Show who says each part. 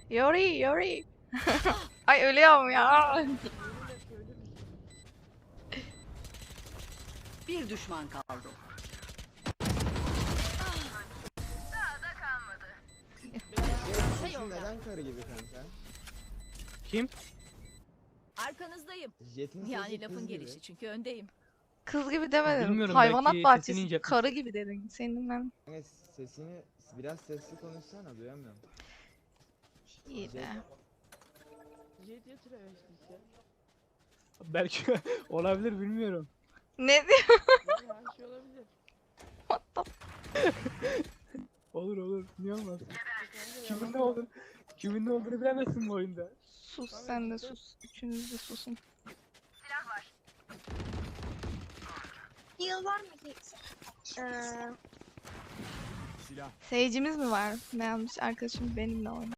Speaker 1: Yori Yori. Ay ölüyorum ya.
Speaker 2: Bir düşman kaldı.
Speaker 3: Sesin neden karı gibi kanka?
Speaker 4: Kim?
Speaker 5: Arkanızdayım.
Speaker 3: Jet'in sesi
Speaker 5: Yani
Speaker 3: kız
Speaker 5: lafın
Speaker 3: gibi.
Speaker 5: gelişi çünkü öndeyim.
Speaker 1: Kız gibi demedim.
Speaker 4: Bilmiyorum,
Speaker 1: Hayvanat
Speaker 4: belki
Speaker 1: bahçesi
Speaker 4: sesini ince-
Speaker 1: karı gibi dedin. Senin ben
Speaker 3: Kanka sesini biraz sesli konuşsana, duyamıyorum.
Speaker 1: iyi de.
Speaker 4: Belki olabilir, bilmiyorum.
Speaker 1: Ne diyor?
Speaker 4: Olur olur. Niye olmaz? Kimin ne olur? Kimin ne olduğunu bilemezsin bu oyunda.
Speaker 1: Sus sen de sus. Üçünüz de susun.
Speaker 6: Heal var mı hiç?
Speaker 1: Seyircimiz mi var? Ne yapmış arkadaşım benimle oynar.